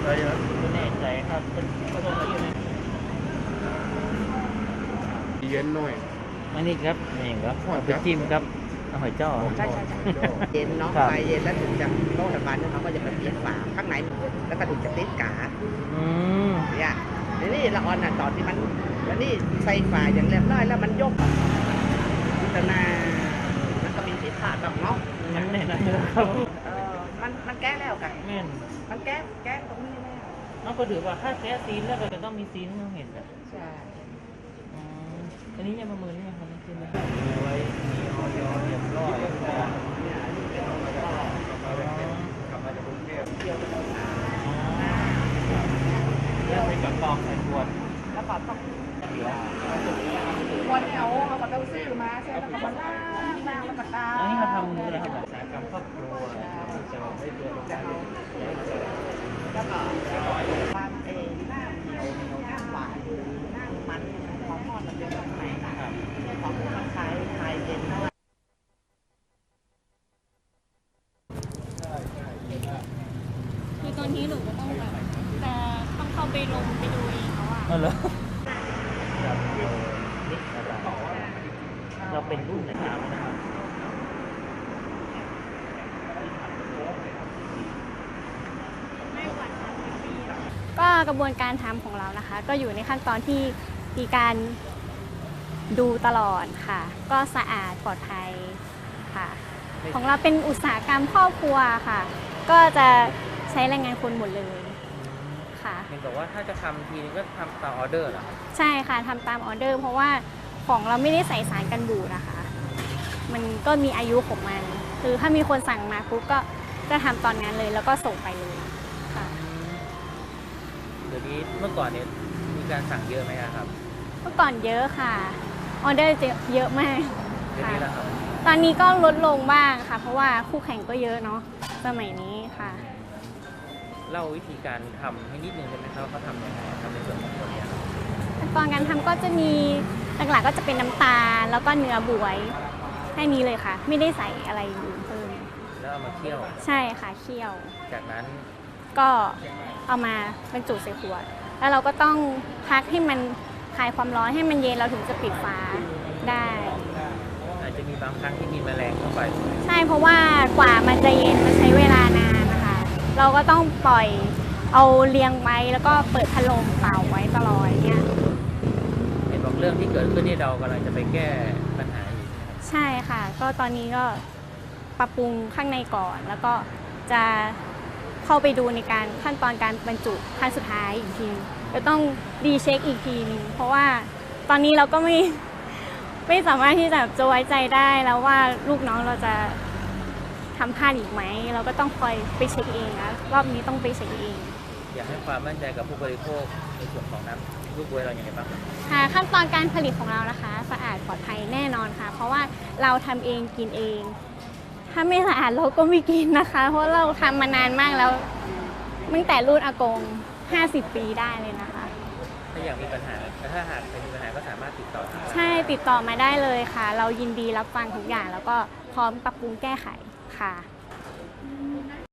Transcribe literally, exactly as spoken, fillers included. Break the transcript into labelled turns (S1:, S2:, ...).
S1: อะไรนะ
S2: ไม่แน่ใจครับเป็นผสมอะไรอยู่ใน
S1: เย็นหน่อย
S2: อันนี้ครับนี่ครับ
S1: หอย
S2: เอาไป
S1: จ้ะ
S2: จิ้มครับเอาหอยจ้อ
S3: ใช่ใช่ใช่เย็นเนาะ
S2: ครับ
S3: ไฟเย็นแล้วถึงจะโต๊ะทำงานเนี่ยเขาก็จะไปเปลี่ยนฝาข้างในแล้วก็ถึงจะติดกา
S2: อืม
S3: เนี่ยทีนี้ละออนน่ะตอนที่มันแล้วนี่ใส่ฝาอย่างเรียบร้อยแล้วมันยกแต่นามันก็มีผิดพลาดแบบเนาะ
S2: มันแน่นอนครับ
S3: เออมันมันแก้แล้วกัน
S2: แม่น
S3: มันแก้แก้ตรงนี้แล้ว
S2: น้องก็ถือว่าถ้าแก้ซีนแล้วก็จะต้องมีซีนต้องเห็นแบบ
S3: ใช่
S2: อืมอันนี้ยังประเมินยังครับซีนเลยมีไว้มีออยเรียบร้อยครับ
S3: เนี่ยอันนี้เป็นก็
S1: กลับมาจากกรุงเทพ
S3: เกี่ยวกับน้
S2: เรื่องไปกับกองใส่ขวด
S3: ำแล้วก็ต้อง
S2: เดี๋ยว
S3: วันเนี่ยเอาเขาก็ต้องซื้อมาใช่แล้วก็มาล้างล้างแล้วก็ตา
S2: อันนี้เขาทำอะไรครับอุตสาหกรรมครอบครัวจะได้ตัวลง
S3: จะ
S2: ได้
S3: เอาแล้วก็วางเองหน้าเหนียวเหนียวหน้าหวานหน้ามันของทอดมันเป็นของไหนนะครับของมันคล้ายคล้ายเย็นเท่าไหร่
S4: คือตอนนี้หนูก็ต้องแบบจะต้องเข้าไปลงไปดูเองแล้วอะ
S2: อ๋อเหรอครับนี่เราเป็นรุ่นไหนครับนะครับ
S4: ก็กระบวนการทำของเรานะคะ ก็อยู่ในขั้นตอนที่มีการดูตลอดค่ะ ก็สะอาดปลอดภัยค่ะ ของเราเป็นอุตสาหกรรมครอบครัวค่ะ ก็จะใช้แรงงานคนหมดเลยค่ะ
S2: เห็นบอกว่าถ้าจะทำทีนึงก็ทำตามออเดอร์เหรอครับ
S4: ใช่ค่ะทำตามออเดอร์ เพราะว่าของเราไม่ได้ใส่สารกันบูดนะคะ มันก็มีอายุของมัน คือถ้ามีคนสั่งมาปุ๊บก็จะทำตอนนั้นเลยแล้วก็ส่งไปเลยค่ะ
S2: เดี๋ยวนี้เมื่อก่อนเนี่ยมีการสั่งเยอะไหมครับ
S4: เมื่อก่อนเยอะค่ะออเดอร์จะเยอะมาก
S2: เดี๋ยว
S4: ค่ะ
S2: นี้แล้วครับ
S4: ตอนนี้ก็ลดลงบ้างค่ะ เพราะว่าคู่แข่งก็เยอะเนาะสมัยนี้ค่ะ
S2: เล่าวิธีการทำให้นิดนึงได้ไหมครับว่าเขาทำยังไงทำในส่วนของตัวเนี้ยครับ
S4: ขั้นตอนการทำก็จะมีหลักๆก็จะเป็นน้ำตาลแล้วก็เนื้อบวยแค่นี้เลยค่ะ ไม่ได้ใส่อะไรอื่นเพิ่ม
S2: แล้วเอามาเคี่ยว
S4: ใช่ค่ะเคี่ยว
S2: จากนั้น
S4: ก็เอามาบรรจุใส่ขวด แล้วเราก็ต้องพักให้มันคลายความร้อนให้มันเย็นเราถึงจะปิดฝาได้
S2: อาจจะมีบางครั้งที่มีแมลงเข้าไป
S4: ใช่เพราะว่ากว่ามันจะเย็นมันใช้เวลานานนะคะ เราก็ต้องปล่อยเอาเรียงไว้แล้วก็เปิดพัดลมเป่าไว้ตลอดเนี่ย
S2: เห็นบอกเรื่องที่เกิดขึ้นที่เรากำลังจะไปแก้ปัญหาอยู่
S4: ใช่ค่ะ ก็ตอนนี้ก็ปรับปรุงข้างในก่อน แล้วก็จะเข้าไปดูในการขั้นตอนการบรรจุขั้นสุดท้ายอีกทีจะต้องดีเช็คอีกทีนึงเพราะว่าตอนนี้เราก็ไม่ ไม่สามารถที่จะจะไว้ใจได้แล้วว่าลูกน้องเราจะทำพลาดอีกไหม เราก็ต้องคอยไปเช็คเองนะรอบนี้ต้องไปเช็คเอง
S2: อยากให้ความมั่นใจกับผู้บริโภคในส่วนของน้ำลูกบวยเราอย่างไรบ้างครับ
S4: ค่ะขั้นตอนการผลิตของเรานะคะสะอาดปลอดภัยแน่นอนค่ะ เพราะว่าเราทำเองกินเอง ถ้าไม่สะอาดเราก็ไม่กินนะคะ เพราะเราทำมานานมากแล้วตั้งแต่รุ่นอากงห้าสิบปีได้เลยนะคะ
S2: ถ้าอยากมีปัญหาแต่ถ้าหากเป็นมีปัญหาก็สามารถติดต่อทาง
S4: ใช่ติดต่อมาได้เลยค่ะ เรายินดีรับฟังทุกอย่างแล้วก็พร้อมปรับปรุงแก้ไขค่ะ